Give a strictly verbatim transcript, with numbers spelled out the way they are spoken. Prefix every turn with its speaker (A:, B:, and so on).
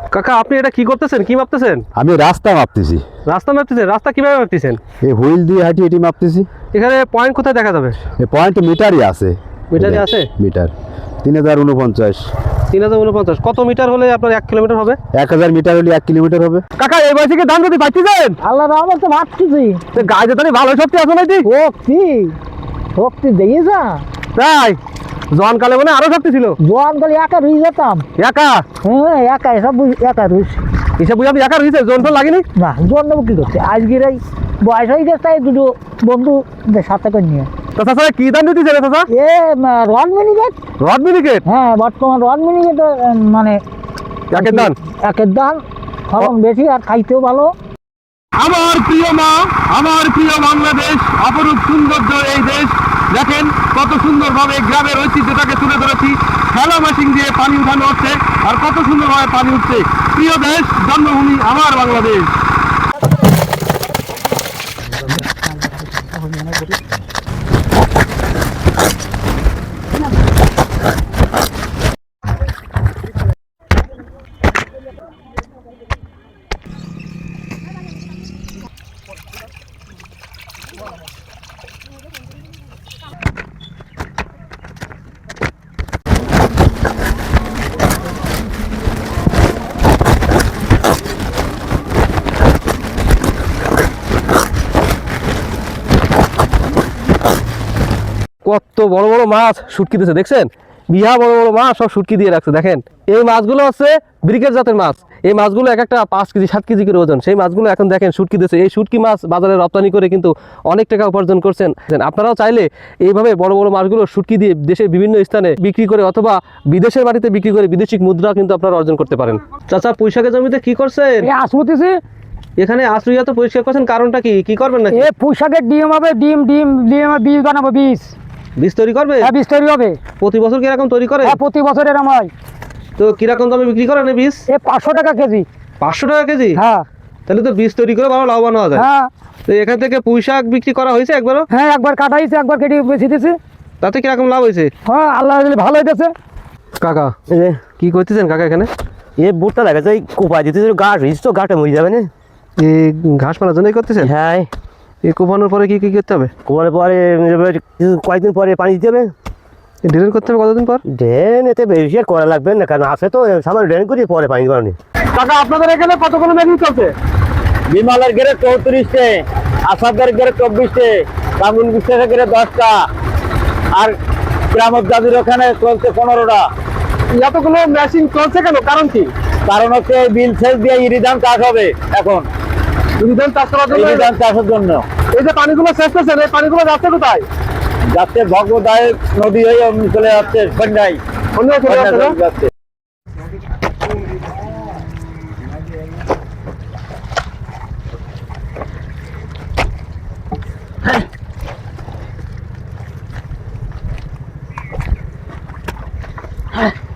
A: কাকা আপনি এটা কি করতেছেন, কি মাপতেছেন?
B: আমি রাস্তা মাপতেছি।
A: রাস্তা মাপতেছেন? রাস্তা কিভাবে মাপতেছেন?
B: এই হুইল দিয়ে হাঁটি হাঁটি মাপতেছি।
A: এখানে পয়েন্ট কোথায় দেখা যাবে?
B: এই পয়েন্ট মিটারই আছে।
A: মিটারই আছে?
B: মিটার তিন হাজার উনপঞ্চাশ।
A: তিন হাজার উনপঞ্চাশ। কত মিটার হলে আপনার এক কিলোমিটার হবে?
B: এক হাজার মিটার হলে এক কিলোমিটার হবে।
A: কাকা এই বয়সে দাম যদি পাচ্ছেন?
C: আল্লাহ রহমত তো ভাবতেছি
A: গায়ে তো ভালো শক্তি আছে নাকি?
C: শক্তি শক্তি দিয়ে যা
A: তাই জোয়ান কালে মানে আরো শক্তি ছিল।
C: জোয়ান কালে একা রুই যেতাম।
A: একা?
C: হ্যাঁ একা এসব একা রুইস।
A: এসব বুঝে আপনি একা রয়েছে? জোন টোন লাগেনি?
C: না জন্ম কি করছে আজকের এই বয়স হয়ে গেছে দুটো বন্ধুদের সাথে করে নিয়ে।
A: তো চাচা কি দাম দিতেছে রে চাচা?
C: এ রড মিনিকেট।
A: রড মিনিকেট?
C: হ্যাঁ বর্তমান রড মিনিকেট মানে
A: একের দাম
C: একের দাম ফলন বেশি আর খাইতেও ভালো।
A: আমার প্রিয় মা, আমার প্রিয় বাংলাদেশ, অপরূপ সৌন্দর্য এই দেশ। দেখেন কত সুন্দরভাবে গ্রামের ঐতিহ্যটাকে তুলে ধরেছি। খেলা মেশিন দিয়ে পানি উঠানো হচ্ছে আর কত সুন্দরভাবে পানি উঠছে। প্রিয় দেশ, জন্মভূমি আমার বাংলাদেশ। কত বড় বড় মাছ শুটকি দিয়েছে দেখছেন? বিহা বড় বড় মাছ সব শুটকি দিয়ে রাখছে। দেখেন এই মাছগুলো হচ্ছে ব্রিকেট জাতের মাছ। এই মাছগুলো এক একটা পাঁচ কেজি সাত কেজি করে ওজন। সেই মাছগুলো এখন দেখেন শুটকি দিয়েছে। এই শুটকি মাছ বাজারে রপ্তানি করে কিন্তু অনেক টাকা উপার্জন করছেন। আপনারাও চাইলে এইভাবে বড় বড় মাছগুলো শুটকি দিয়ে দেশের বিভিন্ন স্থানে বিক্রি করে অথবা বিদেশের বাড়িতে বিক্রি করে বিদেশি মুদ্রা কিন্তু আপনারা অর্জন করতে পারেন। চাচা পুঁইশাকের জমিতে কি করছেন?
C: আসবতেছি
A: এখানে আশ্রয় তো পরিষ্কার করছেন, কারণটা কি? কি করবেন না?
C: এ পুঁইশাকের ডিম হবে, ডিম ডিম ডিম বীজ বানাবো। বীজ
A: বীজ তৈরি করবে?
C: হ্যাঁ বীজ তৈরি হবে।
A: প্রতি বছর কিরকম তৈরি করে?
C: হ্যাঁ প্রতি বছর এরকম হয়।
A: তো কিরকম দামে বিক্রি করেন এই বীজ?
C: এ পাঁচশো টাকা কেজি।
A: পাঁচশো টাকা কেজি?
C: হ্যাঁ।
A: তাহলে তো বীজ তৈরি করে ভালো লাভবান হওয়া যায়।
C: হ্যাঁ।
A: তো এখান থেকে পুঁই শাক বিক্রি করা হয়েছে একবারও?
C: হ্যাঁ একবার কাটা হয়েছে, একবার কেটে বেছে দিয়েছে।
A: তাতে কিরকম লাভ হয়েছে?
C: হ্যাঁ আল্লাহ ভালো হইতেছে।
A: কাকা কি করতেছেন কাকা এখানে?
D: এ বুটটা লাগাচ্ছে ওই কোপা দিতে গাছ হয়েছে তো গাছটা মরে যাবে না?
A: এই ঘাস পালার জন্যই করতেছেন?
D: হ্যাঁ।
A: এই কোপানোর পরে কি কি করতে হবে?
D: কোপানোর পরে কয়েকদিন পরে পানি দিতে হবে।
A: ড্রেন করতে হবে কতদিন পর?
D: ড্রেন এতে বেশি আর করা লাগবে না, কারণ আছে তো সামান্য ড্রেন করি পরে পানি দেওয়া।
A: কাকা আপনাদের এখানে কতগুলো মেশিন চলছে?
D: বিমালের গেড়ে চৌত্রিশটে, আসাদের গেড়ে চব্বিশটে, কামরুল বিশ্বাসের গেড়ে দশটা, আর গ্রামত দাদির ওখানে চলছে পনেরোটা।
A: এতগুলো মেশিন চলছে কেন, কারণ কি?
D: কারণ হচ্ছে বিল সেচ দিয়ে ইরিধান চাষ হবে এখন।
A: ইরিধান চাষ করার জন্য?
D: ইরিধান চাষের জন্য।
A: এই যে পানিগুলো শেষ করছেন, এই পানিগুলো যাচ্ছে কোথায়?
D: যাচ্ছে ভগবদায় নদী হয়ে চলে যাচ্ছে সন্ধ্যায়।
A: অন্য চলে
D: যাচ্ছে।
C: হ্যাঁ